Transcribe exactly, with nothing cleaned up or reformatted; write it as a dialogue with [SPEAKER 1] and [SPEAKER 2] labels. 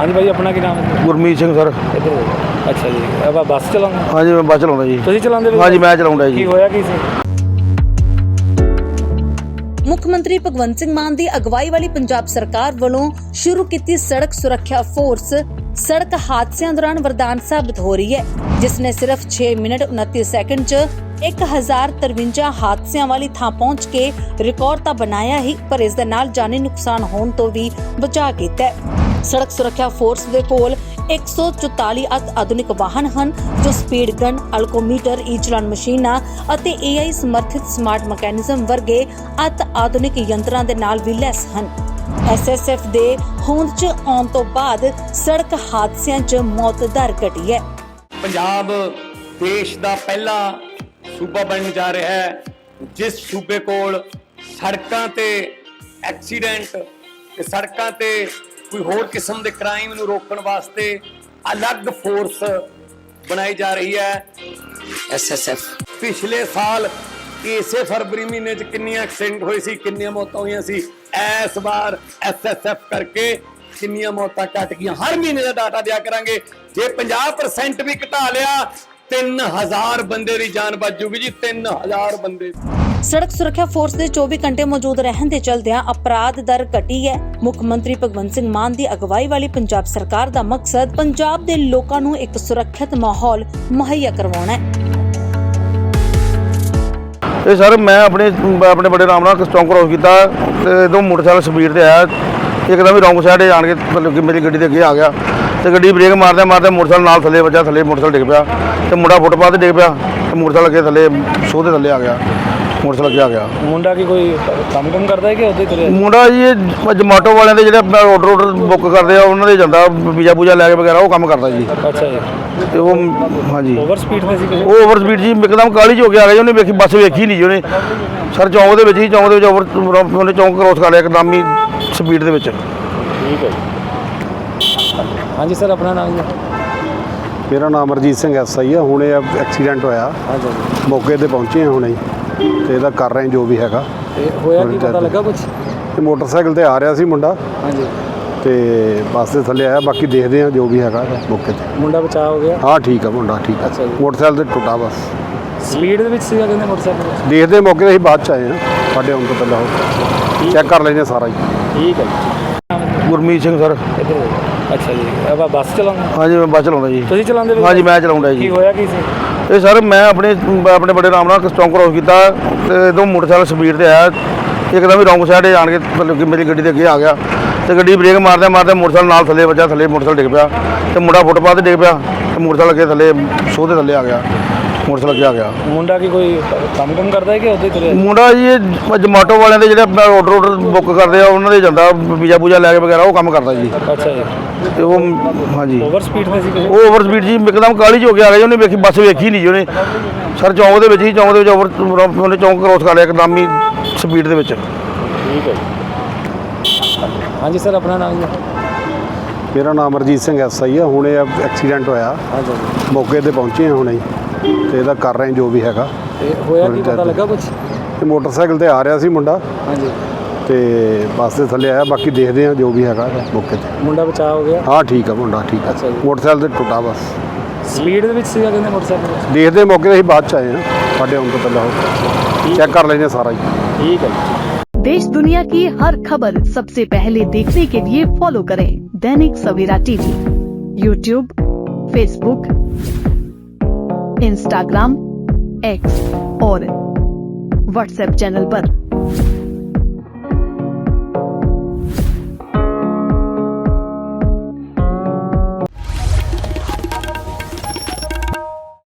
[SPEAKER 1] जी भाई अपना की नाम है?
[SPEAKER 2] ਗੁਰਮੀਤ ਸਿੰਘ ਸਰ।
[SPEAKER 1] इधर हो। अच्छा जी अब आप बस चलाਉਂਦੇ?
[SPEAKER 2] ਹਾਂਜੀ ਮੈਂ ਬੱਸ ਚਲਾਉਂਦਾ ਜੀ।
[SPEAKER 1] ਤੁਸੀਂ ਚਲਾਉਂਦੇ?
[SPEAKER 2] ਹਾਂਜੀ ਮੈਂ ਚਲਾਉਂਦਾ
[SPEAKER 1] ਕੀ
[SPEAKER 2] ਜੀ।
[SPEAKER 1] ਹੋਇਆ ਕੀ ਸੀ?
[SPEAKER 3] ਮੁੱਖ ਮੰਤਰੀ ਭਗਵੰਤ ਸਿੰਘ ਮਾਨ ਦੀ ਅਗਵਾਈ ਵਾਲੀ ਪੰਜਾਬ ਸਰਕਾਰ ਵੱਲੋਂ ਸ਼ੁਰੂ ਕੀਤੀ ਸੜਕ ਸੁਰੱਖਿਆ ਫੋਰਸ ਸੜਕ ਹਾਦਸਿਆਂ ਦੌਰਾਨ ਵਰਦਾਨ ਸਾਬਤ ਹੋ ਰਹੀ ਹੈ, ਜਿਸ ਨੇ ਸਿਰਫ ਛੇ ਮਿੰਟ ਉਨੱਤੀ ਸੈਕਿੰਡ 'ਚ ਇੱਕ ਹਜ਼ਾਰ ਤਰਵੰਜਾ ਹਾਦਸਿਆਂ ਵਾਲੀ ਥਾਂ ਪਹੁੰਚ ਕੇ ਰਿਕਾਰਡ ਤਾਂ ਬਣਾਇਆ ਹੀ, ਪਰ ਇਸ ਦੇ ਨਾਲ ਜਾਨੀ ਨੁਕਸਾਨ ਹੋਣ ਤੋਂ ਵੀ ਬਚਾ ਕੀਤਾ ਹੈ। ਸੜਕ ਸੁਰੱਖਿਆ ਫੋਰਸ ਦੇ ਕੋਲ ਇੱਕ ਸੌ ਚੁਤਾਲੀ ਅਤ ਆਧੁਨਿਕ ਵਾਹਨ ਹਨ, ਜੋ ਸਪੀਡ ਗਨ, ਅਲਕੋਮੀਟਰ, ਈ ਚਲਾਨ ਮਸ਼ੀਨਾਂ ਅਤੇ ਏ ਆਈ ਸਮਰਥਿਤ ਸਮਾਰਟ ਮਕੈਨਿਜ਼ਮ ਵਰਗੇ ਅਤ ਆਧੁਨਿਕ ਯੰਤਰਾਂ ਦੇ ਨਾਲ ਵੀ ਲੈਸ ਹਨ। ਐਸ ਐਸ ਐਫ ਦੇ ਹੋਂਦ 'ਚ ਆਉਣ ਤੋਂ ਬਾਅਦ ਸੜਕ ਹਾਦਸਿਆਂ 'ਚ ਮੌਤ ਦਰ ਘਟੀ ਹੈ।
[SPEAKER 4] ਪੰਜਾਬ ਦੇਸ਼ ਦਾ ਪਹਿਲਾ ਸੂਬਾ ਬਣਨ ਜਾ ਰਿਹਾ ਹੈ, ਜਿਸ ਸੂਬੇ ਕੋਲ ਸੜਕਾਂ ਤੇ ਐਕਸੀਡੈਂਟ ਤੇ ਸੜਕਾਂ ਤੇ ਕੋਈ ਹੋਰ ਕਿਸਮ ਦੇ ਕ੍ਰਾਈਮ ਨੂੰ ਰੋਕਣ ਵਾਸਤੇ ਅਲੱਗ ਫੋਰਸ ਬਣਾਈ ਜਾ ਰਹੀ ਹੈ, ਐਸ ਐਸ ਐਫ। ਪਿਛਲੇ ਸਾਲ ਇਸੇ ਫਰਵਰੀ ਮਹੀਨੇ 'ਚ ਕਿੰਨੀਆਂ ਐਕਸੀਡੈਂਟ ਹੋਏ ਸੀ, ਕਿੰਨੀਆਂ ਮੌਤਾਂ ਹੋਈਆਂ ਸੀ, ਇਸ ਵਾਰ ਐਸ ਐਸ ਐਫ ਕਰਕੇ ਕਿੰਨੀਆਂ ਮੌਤਾਂ ਘਟ ਗਈਆਂ, ਹਰ ਮਹੀਨੇ ਦਾ ਡਾਟਾ ਦਿਆ ਕਰਾਂਗੇ। ਜੇ ਪੰਜਾਹ ਪਰਸੈਂਟ ਵੀ ਘਟਾ ਲਿਆ ਤਿੰਨ ਹਜ਼ਾਰ ਬੰਦੇ ਦੀ ਜਾਨ ਬਚ ਜੂਗੀ ਜੀ, ਤਿੰਨ ਹਜ਼ਾਰ ਬੰਦੇ।
[SPEAKER 3] ਸੜਕ ਸੁਰੱਖਿਆ ਫੋਰਸ ਦੇ ਚੌਵੀ ਘੰਟੇ ਮੌਜੂਦ ਰਹਿਣ ਦੇ ਚਲਦਿਆਂ ਅਪਰਾਧ ਦਰ ਘਟੀ ਹੈ। ਮੁੱਖ ਮੰਤਰੀ ਭਗਵੰਤ ਸਿੰਘ ਮਾਨ ਦੀ ਅਗਵਾਈ ਵਾਲੀ ਪੰਜਾਬ ਸਰਕਾਰ ਦਾ ਮਕਸਦ ਪੰਜਾਬ ਦੇ ਲੋਕਾਂ ਨੂੰ ਇੱਕ ਸੁਰੱਖਿਅਤ ਮਾਹੌਲ ਮੁਹੱਈਆ ਕਰਵਾਉਣਾ ਹੈ।
[SPEAKER 2] ਇਹ ਸਰ ਮੈਂ ਆਪਣੇ ਆਪਣੇ ਬੜੇ ਆਰਾਮ ਨਾਲ ਚੌਂਕ ਕ੍ਰੋਸ ਕੀਤਾ ਤੇ ਦੋ ਮੋਟਰਸਾਈਕਲ ਸਪੀਡ ਤੇ ਆਇਆ, ਇੱਕਦਮ ਹੀ ਰੌਂਗ ਸਾਈਡ ਆਣ ਕੇ ਮਤਲਬ ਕਿ ਮੇਰੀ ਗੱਡੀ ਦੇ ਅੱਗੇ ਆ ਗਿਆ ਤੇ ਗੱਡੀ ਬ੍ਰੇਕ ਮਾਰਦੇ ਮਾਰਦੇ ਮੋਟਰਸਾਈਕਲ ਨਾਲ ਥੱਲੇ ਵੱਜਾ, ਥੱਲੇ ਮੋਟਰਸਾਈਕਲ ਡਿੱਗ ਪਿਆ ਤੇ ਮੁੰਡਾ ਫੁੱਟਪਾਥ ਤੇ ਡਿੱਗ ਪਿਆ ਤੇ ਮੋਟਰਸਾਈਕਲ ਅੱਗੇ ਥੱਲੇ ਸੋਹ ਦੇ ਥੱਲੇ ਆ ਗਿਆ, ਮੋਟਰਸਾਈਕਲ ਅੱਗੇ ਆ ਗਿਆ।
[SPEAKER 1] ਮੁੰਡਾ ਕੀ ਕੋਈ ਕੰਮ ਕੰਮ ਕਰਦਾ ਹੈ ਕਿ ਉਹਦੇ ਤੁਰਿਆ?
[SPEAKER 2] ਮੁੰਡਾ ਜੀ ਇਹ ਜਮਾਟੋ ਵਾਲਿਆਂ ਦੇ ਜਿਹੜੇ ਆਰਡਰ ਆਰਡਰ ਬੁੱਕ ਕਰਦੇ ਆ ਉਹਨਾਂ ਦੇ ਜਾਂਦਾ ਪੀਜ਼ਾ ਪੂਜਾ ਲੈ ਕੇ ਵਗੈਰਾ, ਉਹ ਕੰਮ ਕਰਦਾ ਜੀ।
[SPEAKER 1] ਅੱਛਾ ਜੀ।
[SPEAKER 2] ਤੇ ਉਹ ਹਾਂਜੀ
[SPEAKER 1] ਓਵਰ ਸਪੀਡ ਤੇ ਸੀ ਕਿ?
[SPEAKER 2] ਉਹ ਓਵਰ ਸਪੀਡ ਜੀ, ਇੱਕਦਮ ਕਾਹਲੀ 'ਚ ਹੋ ਕੇ ਆ ਗਿਆ ਜੀ, ਉਹਨੇ ਵੇਖੀ ਬੱਸ ਵੇਖੀ ਨਹੀਂ ਜੀ ਉਹਨੇ। ਸਰ ਚੌਂਕ ਦੇ ਵਿੱਚ ਹੀ ਚੌਂਕ ਦੇ ਵਿੱਚ ਓਵਰ ਉਹਨੇ ਚੌਂਕ ਕ੍ਰੋਸ ਕਰ ਲਿਆ ਇੱਕਦਮ ਹੀ ਸਪੀਡ ਦੇ ਵਿੱਚ।
[SPEAKER 1] ਠੀਕ ਹੈ ਜੀ। ਹਾਂਜੀ ਸਰ ਆਪਣਾ ਨਾਮ ਜੀ?
[SPEAKER 5] ਮੇਰਾ ਨਾਮ ਅਮਰਜੀਤ ਸਿੰਘ ਐਸ ਆਈ ਆ। ਹੁਣੇ ਐਕਸੀਡੈਂਟ ਹੋਇਆ, ਮੌਕੇ ਤੇ ਪਹੁੰਚੇ ਹਾਂ ਹੁਣੇ ਤੇ ਇਹਦਾ ਕਰ ਰਹੇ ਜੋ ਵੀ ਹੈਗਾ।
[SPEAKER 1] ਤੇ ਹੋਇਆ ਕੀ ਪਤਾ ਲੱਗਾ ਕੁਝ?
[SPEAKER 5] ਤੇ ਮੋਟਰਸਾਈਕਲ ਤੇ ਆ ਰਿਹਾ ਸੀ ਮੁੰਡਾ
[SPEAKER 1] ਹਾਂਜੀ
[SPEAKER 5] ਤੇ ਬੱਸ ਦੇ ਥੱਲੇ ਆਇਆ, ਬਾਕੀ ਦੇਖਦੇ ਹਾਂ ਜੋ ਵੀ ਹੈਗਾ ਮੌਕੇ ਤੇ।
[SPEAKER 1] ਮੁੰਡਾ ਬਚਾਅ ਹੋ ਗਿਆ?
[SPEAKER 5] ਹਾਂ ਠੀਕ ਆ ਮੁੰਡਾ, ਠੀਕ ਆ।
[SPEAKER 1] ਅੱਛਾ ਜੀ।
[SPEAKER 5] ਮੋਟਰਸਾਈਕਲ ਤੇ ਟੁੱਟਾ ਬਸ।
[SPEAKER 1] ਸਪੀਡ ਦੇ ਵਿੱਚ ਸੀਗਾ ਕਹਿੰਦੇ ਮੋਟਰਸਾਈਕਲ?
[SPEAKER 5] ਦੇਖਦੇ ਮੌਕੇ ਤੇ ਅਸੀਂ ਬਾਅਦ ਚ ਆਏ ਹਾਂ, ਸਾਡੇ ਆਉਣ ਤੋਂ ਪਹਿਲਾਂ ਉਹ ਚੈੱਕ ਕਰ ਲੈਂਦੇ ਸਾਰਾ ਹੀ।
[SPEAKER 1] ਠੀਕ ਹੈ ਜੀ।
[SPEAKER 2] ਗੁਰਮੀਤ ਸਿੰਘ ਸਰ।
[SPEAKER 1] ਇੱਧਰ ਹੋ। ਅੱਛਾ ਜੀ अब आप बस ਚਲਾਉਂਦੇ?
[SPEAKER 2] ਹਾਂਜੀ ਮੈਂ ਬੱਸ ਚਲਾਉਂਦਾ ਜੀ।
[SPEAKER 1] ਤੁਸੀਂ ਚਲਾਉਂਦੇ?
[SPEAKER 2] ਹਾਂਜੀ ਮੈਂ ਚਲਾਉਂਦਾ ਜੀ।
[SPEAKER 1] ਕੀ ਹੋਇਆ ਕੀ ਸੀ?
[SPEAKER 2] ਇਹ ਸਰ ਮੈਂ ਆਪਣੇ ਆਪਣੇ ਬੜੇ ਆਰਾਮ ਨਾਲ ਚੌਂਕ ਕ੍ਰੋਸ ਕੀਤਾ ਤੇ ਦੋ ਮੋਟਰਸਾਈਕਲ ਸਪੀਡ ਤੇ ਆਇਆ, ਇੱਕਦਮ ਹੀ ਰੌਂਗ ਸਾਈਡ ਆਣ ਕੇ ਮਤਲਬ ਕਿ ਮੇਰੀ ਗੱਡੀ ਦੇ ਅੱਗੇ ਆ ਗਿਆ ਤੇ ਗੱਡੀ ਬ੍ਰੇਕ ਮਾਰਦੇ ਮਾਰਦੇ ਮੋਟਰਸਾਈਕਲ ਨਾਲ ਥੱਲੇ ਵੱਜਾ, ਥੱਲੇ ਮੋਟਰਸਾਈਕਲ ਡਿੱਗ ਪਿਆ ਤੇ ਮੁੰਡਾ ਫੁੱਟਪਾਥ ਤੇ ਡਿੱਗ ਪਿਆ ਤੇ ਮੋਟਰਸਾਈਕਲ ਅੱਗੇ ਥੱਲੇ ਸੋਹ ਦੇ ਥੱਲੇ ਆ ਗਿਆ, ਮੋਟਰਸਾਈਕਲ ਅੱਗੇ ਆ ਗਿਆ।
[SPEAKER 1] ਮੁੰਡਾ ਕੀ ਕੋਈ ਕੰਮ ਕੰਮ ਕਰਦਾ ਹੈ ਕਿ ਉਹਦੇ ਤੁਰਿਆ?
[SPEAKER 2] ਮੁੰਡਾ ਜੀ ਇਹ ਜਮਾਟੋ ਵਾਲਿਆਂ ਦੇ ਜਿਹੜੇ ਆਰਡਰ ਆਰਡਰ ਬੁੱਕ ਕਰਦੇ ਆ ਉਹਨਾਂ ਦੇ ਜਾਂਦਾ ਪੀਜ਼ਾ ਪੂਜਾ ਲੈ ਕੇ ਵਗੈਰਾ, ਉਹ ਕੰਮ ਕਰਦਾ ਜੀ।
[SPEAKER 1] ਅੱਛਾ ਜੀ।
[SPEAKER 2] ਤੇ ਉਹ ਹਾਂਜੀ
[SPEAKER 1] ਓਵਰ ਸਪੀਡ ਤੇ ਸੀ ਕਿ?
[SPEAKER 2] ਉਹ ਓਵਰ ਸਪੀਡ ਜੀ, ਇੱਕਦਮ ਕਾਹਲੀ 'ਚ ਹੋ ਕੇ ਆ ਗਿਆ ਜੀ, ਉਹਨੇ ਵੇਖੀ ਬੱਸ ਵੇਖੀ ਨਹੀਂ ਜੀ ਉਹਨੇ। ਸਰ ਚੌਂਕ ਦੇ ਵਿੱਚ ਹੀ ਚੌਂਕ ਦੇ ਵਿੱਚ ਓਵਰ ਉਹਨੇ ਚੌਂਕ ਕ੍ਰੋਸ ਕਰ ਲਿਆ ਇੱਕਦਮ ਹੀ ਸਪੀਡ ਦੇ ਵਿੱਚ।
[SPEAKER 1] ਠੀਕ ਹੈ ਜੀ। ਹਾਂਜੀ ਸਰ ਆਪਣਾ ਨਾਮ ਜੀ?
[SPEAKER 5] ਮੇਰਾ ਨਾਮ ਅਮਰਜੀਤ ਸਿੰਘ ਐਸ ਆਈ ਆ। ਹੁਣੇ ਐਕਸੀਡੈਂਟ ਹੋਇਆ,
[SPEAKER 1] ਹਾਂਜੀ
[SPEAKER 5] ਮੌਕੇ ਤੇ ਪਹੁੰਚੇ ਹਾਂ ਹੁਣੇ ਤੇ ਇਹਦਾ ਕਰ ਰਹੇ ਜੋ ਵੀ ਹੈਗਾ।
[SPEAKER 1] ਤੇ ਹੋਇਆ ਕੀ ਪਤਾ ਲੱਗਾ ਕੁਝ?
[SPEAKER 5] ਤੇ ਮੋਟਰਸਾਈਕਲ ਤੇ ਆ ਰਿਹਾ ਸੀ ਮੁੰਡਾ
[SPEAKER 1] ਹਾਂਜੀ
[SPEAKER 5] ਤੇ ਬੱਸ ਦੇ ਥੱਲੇ ਆਇਆ, ਬਾਕੀ ਦੇਖਦੇ ਹਾਂ ਜੋ ਵੀ ਹੈਗਾ ਮੌਕੇ ਤੇ।
[SPEAKER 1] ਮੁੰਡਾ ਬਚਾਅ ਹੋ ਗਿਆ?
[SPEAKER 5] ਹਾਂ ਠੀਕ ਆ ਮੁੰਡਾ, ਠੀਕ ਆ।
[SPEAKER 1] ਅੱਛਾ ਜੀ।
[SPEAKER 5] ਮੋਟਰਸਾਈਕਲ ਤੇ ਟੁੱਟਾ ਬਸ।
[SPEAKER 1] ਸਪੀਡ ਦੇ ਵਿੱਚ ਸੀਗਾ ਕਹਿੰਦੇ ਮੋਟਰਸਾਈਕਲ?
[SPEAKER 5] ਦੇਖਦੇ ਮੌਕੇ ਤੇ ਅਸੀਂ ਬਾਅਦ ਚ ਆਏ ਹਾਂ, ਸਾਡੇ ਆਉਣ ਤੋਂ ਪਹਿਲਾਂ ਉਹ ਚੈੱਕ ਕਰ ਲੈਂਦੇ ਸਾਰਾ ही।
[SPEAKER 1] ठीक है।
[SPEAKER 6] देश दुनिया की हर खबर सबसे पहले देखने के लिए फॉलो करें Dainik Savera TV, YouTube, Facebook, Instagram, X और व्हाट्सएप चैनल पर।